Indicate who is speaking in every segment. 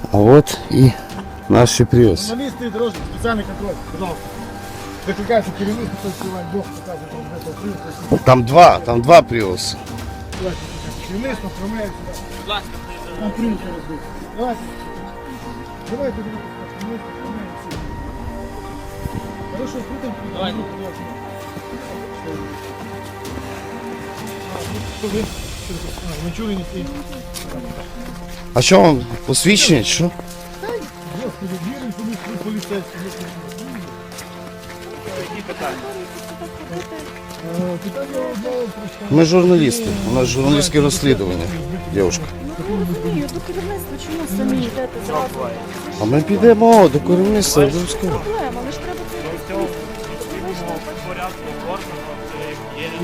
Speaker 1: А от і наші пріуси.
Speaker 2: Журналісти, дорожні, спеціальний контроль, пожалуйста. Викликається керівництво, хтось співає, Бог показує, що вже повторюється.
Speaker 1: Там два пріуси.
Speaker 2: Керівництво оформляє сюди. Будь ласка, там прийняти розбити. Давайте. Давайте, керівництво оформляє всі. Хорошо, крутим. Давайте. Ми чули, не всі.
Speaker 1: А що вам посвідчення? Що?
Speaker 2: Господи, віримо, що ми поліцейські.
Speaker 3: Які питання?
Speaker 2: Питання одне просто.
Speaker 1: Ми журналісти. У нас журналістське розслідування, дівчинка.
Speaker 4: Ну, не розумію, до керівництва чому самі йдете зразу?
Speaker 1: А ми підемо до керівництва. обов'язково.
Speaker 4: Проблема, але ж треба це
Speaker 3: До цього порядку оформлено, це є.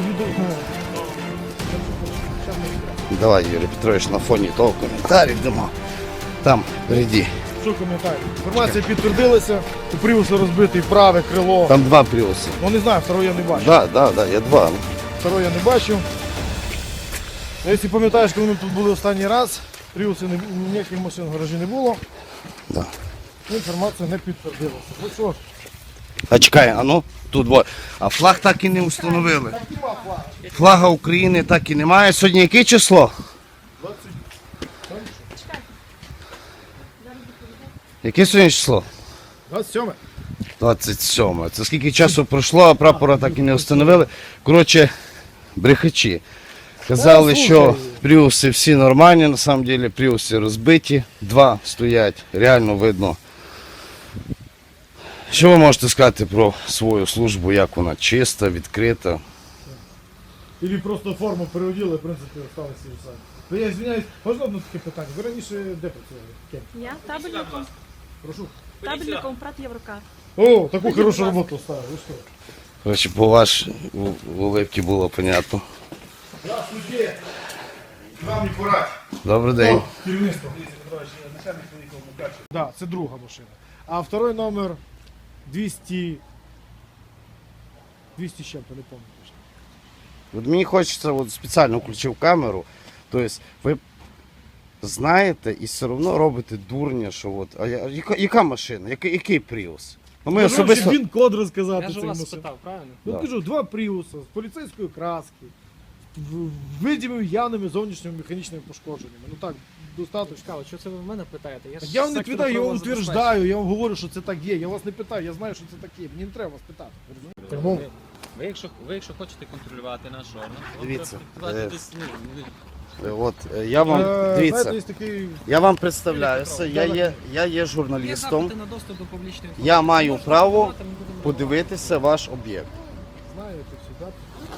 Speaker 1: Давай, Юрій Петрович, на фоні того коментарів дамо. Там, впереді.
Speaker 2: Що коментарі? Інформація підтвердилася, у Пріуса розбитий праве крило.
Speaker 1: Там два пріуси.
Speaker 2: Ну не знаю, второго я не бачив.
Speaker 1: Да, я два.
Speaker 2: Второго я не бачив. Ну, якщо пам'ятаєш, коли ми тут були останній раз, Пріуси ніяких машин в гаражі не було.
Speaker 1: Да.
Speaker 2: Інформація не підтвердилася. Ну що,
Speaker 1: А чекай, а ну, тут двоє. А флаг так і не встановили. Флага України так і немає. Сьогодні яке число?
Speaker 2: 20.
Speaker 1: Яке сьогодні число?
Speaker 2: 27.
Speaker 1: 27. Це скільки часу пройшло, а прапора так і не встановили. Коротше, брехачі. Казали, що пріуси всі нормальні, на самом деле пріуси розбиті. Два стоять, реально видно. Що ви можете сказати про свою службу, як вона чиста, відкрита?
Speaker 2: Ілі просто форму переоділи, в принципі, осталися і все. То я звиняюсь, можна одне таке питання? Ви раніше де працювали? Ким?
Speaker 4: Я табельником,
Speaker 2: Прошу.
Speaker 4: табельником ПРАТ Єврокар.
Speaker 2: О, таку хорошу роботу ставили. Ви що?
Speaker 1: Коротше, по вашій улыбці було понятно.
Speaker 2: Здравствуйте. Вам не порад.
Speaker 1: Добрий день.
Speaker 2: Керівництво. Да, це друга машина. А второй номер 200 з чим-то, не пам'ятаю.
Speaker 1: От мені хочеться, от спеціально включив камеру. Тобто ви знаєте і все одно робите дурня, що от. А яка машина? Який Prius? Ну, ми особисто...
Speaker 2: Він код розказати.
Speaker 3: Я ж
Speaker 2: цей
Speaker 3: вас
Speaker 2: машин.
Speaker 3: спитав, правильно?
Speaker 2: Ну
Speaker 1: Да.
Speaker 2: кажу, два Пріуса з поліцейської краски, видимими явними зовнішніми механічними пошкодженнями. Ну так, достатньо.
Speaker 3: Цікаво, що це ви в мене питаєте?
Speaker 2: Так я вам не питаю, я вам утверждаю, я вам говорю, що це так є. Я вас не питаю, я знаю, що це так є. Мені не треба вас питати. Ви розумієте?
Speaker 3: Ви якщо хочете контролювати наш орган, то
Speaker 1: Дивіться,
Speaker 3: давайте десь,
Speaker 1: От, я вам, дивіться,
Speaker 2: Знаєте, є такий...
Speaker 1: я вам представляюся, я є журналістом,
Speaker 3: запити на доступ до публічної
Speaker 1: я маю право
Speaker 3: Ми будемо
Speaker 1: подивитися ваш об'єкт.
Speaker 2: Знаєте, всі, так?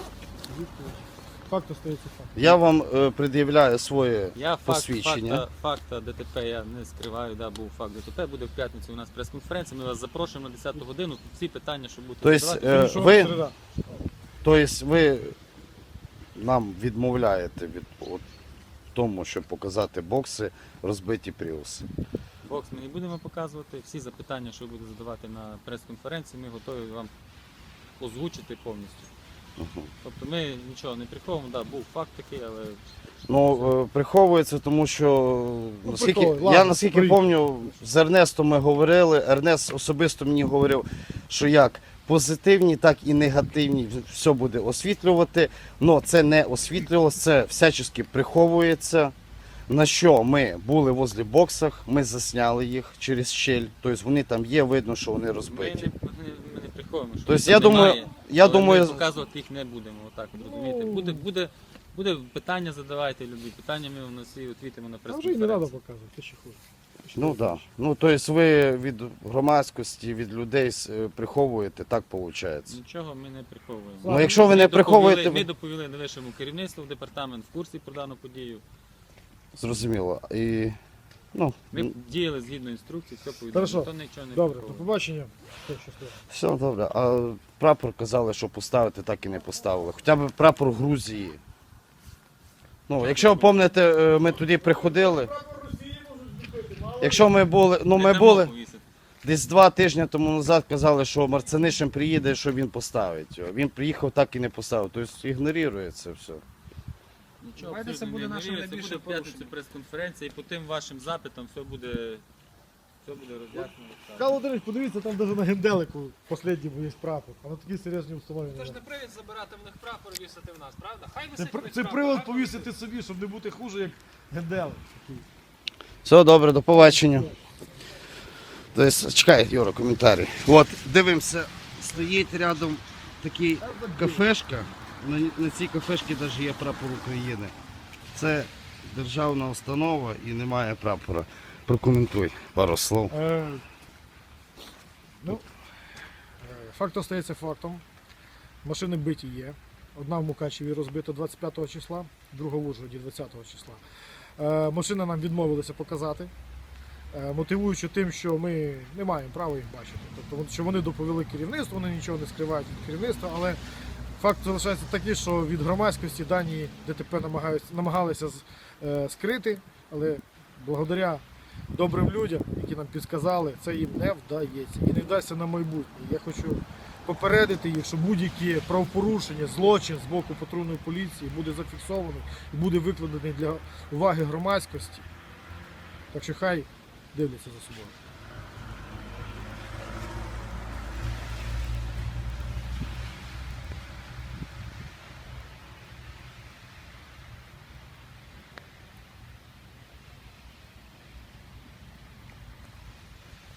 Speaker 2: Факт остається факт.
Speaker 1: Я вам пред'являю своє
Speaker 3: Я
Speaker 1: посвідчення.
Speaker 3: факта ДТП я не скриваю, да, був факт ДТП, буде в п'ятницю у нас прес-конференція, ми вас запрошуємо на 10 годину, тут всі питання, що будете
Speaker 1: Тобто,
Speaker 3: задавати.
Speaker 2: Що
Speaker 1: ви-
Speaker 2: середа?
Speaker 1: Тобто ви нам відмовляєте від от, тому, щоб показати бокси, розбиті пріуси.
Speaker 3: Бокс ми не будемо показувати, всі запитання, що ви будете задавати на прес-конференції, ми готові вам озвучити повністю. Тобто ми нічого не приховуємо, да, був факт такий, але
Speaker 1: Ну, приховується, тому що
Speaker 2: приховує.
Speaker 1: я
Speaker 2: Ладно,
Speaker 1: наскільки
Speaker 2: приїдь.
Speaker 1: пам'ятаю, з Ернестом ми говорили, Ернест особисто мені говорив, що як позитивні, так і негативні все буде освітлювати, але це не освітлювалося, це всячески приховується. На що ми були возле боксах, ми засняли їх через щель, тобто вони там є, видно, що вони
Speaker 3: ми
Speaker 1: розбиті.
Speaker 3: не приховуємо, що
Speaker 1: Тобто,
Speaker 3: їх
Speaker 1: я
Speaker 3: там
Speaker 1: думаю-
Speaker 3: немає,
Speaker 1: я
Speaker 3: але
Speaker 1: думаю-
Speaker 3: ми показувати їх не будемо, отак, от, розумієте. Буде питання задавайте, любі питання, ми на всі відповімо на
Speaker 2: А вже і не треба
Speaker 3: прес-конференції.
Speaker 2: показувати, ти ще хуже.
Speaker 1: Ну так. Да. Ну, тобто ви від громадськості, від людей приховуєте, так виходить.
Speaker 3: Нічого ми не приховуємо.
Speaker 1: Ну, якщо ви не приховуєте,
Speaker 3: Ми доповіли вищому керівництву, департамент в курсі про дану подію.
Speaker 1: зрозуміло. І, ну,
Speaker 3: Ми діяли згідно інструкції, все повідомили,
Speaker 2: Хорошо.
Speaker 3: ніхто нічого не
Speaker 2: Добре, до
Speaker 3: приховує.
Speaker 2: побачення. Все, щасливо.
Speaker 1: все добре. А прапор казали, що поставити, так і не поставили. Хоча б прапор Грузії. Ну, якщо ви пам'ятаєте, ми туди приходили. Якщо ми були, ну
Speaker 3: Не
Speaker 1: ми
Speaker 3: дамо
Speaker 1: були
Speaker 3: повісити.
Speaker 1: десь 2 тижні тому назад, казали, що Марцинишин приїде, що він поставить його. Він приїхав, так і не поставив. Тобто ігнорує це все.
Speaker 3: Нічого
Speaker 5: Давайте
Speaker 3: абсолютно
Speaker 5: це буде
Speaker 3: не
Speaker 5: наше
Speaker 3: ігнорує, це
Speaker 5: найбільше
Speaker 3: буде в п'ятницю
Speaker 5: порушення.
Speaker 3: прес-конференція, і по тим вашим запитам все буде Все буде роз'яснено. так.
Speaker 2: Михайло Володимирович, подивіться, там навіть на генделику останньому є прапор, а на такій серйозній установі.
Speaker 5: Це ж не привід забирати в них прапор і вісити в нас, правда? Хай
Speaker 2: Це,
Speaker 5: висить хоч
Speaker 2: це
Speaker 5: прапор,
Speaker 2: привод
Speaker 5: гарно
Speaker 2: повісити собі, щоб не бути хуже, як генделик. такий.
Speaker 1: Все добре, до побачення. Тобто, чекай, Юра, коментарі. От, дивимося, стоїть рядом такий кафешка. На цій кафешці навіть є прапор України. Це державна установа і немає прапора. Прокоментуй пару слов.
Speaker 2: Факт остається фактом. Машини биті є. Одна в Мукачеві розбита 25 числа, друга в Ужгороді 20 числа. Машини нам відмовилися показати, мотивуючи тим, що ми не маємо права їх бачити. Тобто, що вони доповіли керівництву, вони нічого не скривають від керівництва, але факт залишається такий, що від громадськості дані ДТП намагалися скрити, але благодаря добрим людям, які нам підказали, це їм не вдається і не вдасться на майбутнє. Я хочу попередити їх, що будь-які правопорушення, злочин з боку патрульної поліції буде зафіксований і буде викладений для уваги громадськості. Так що хай дивляться за собою.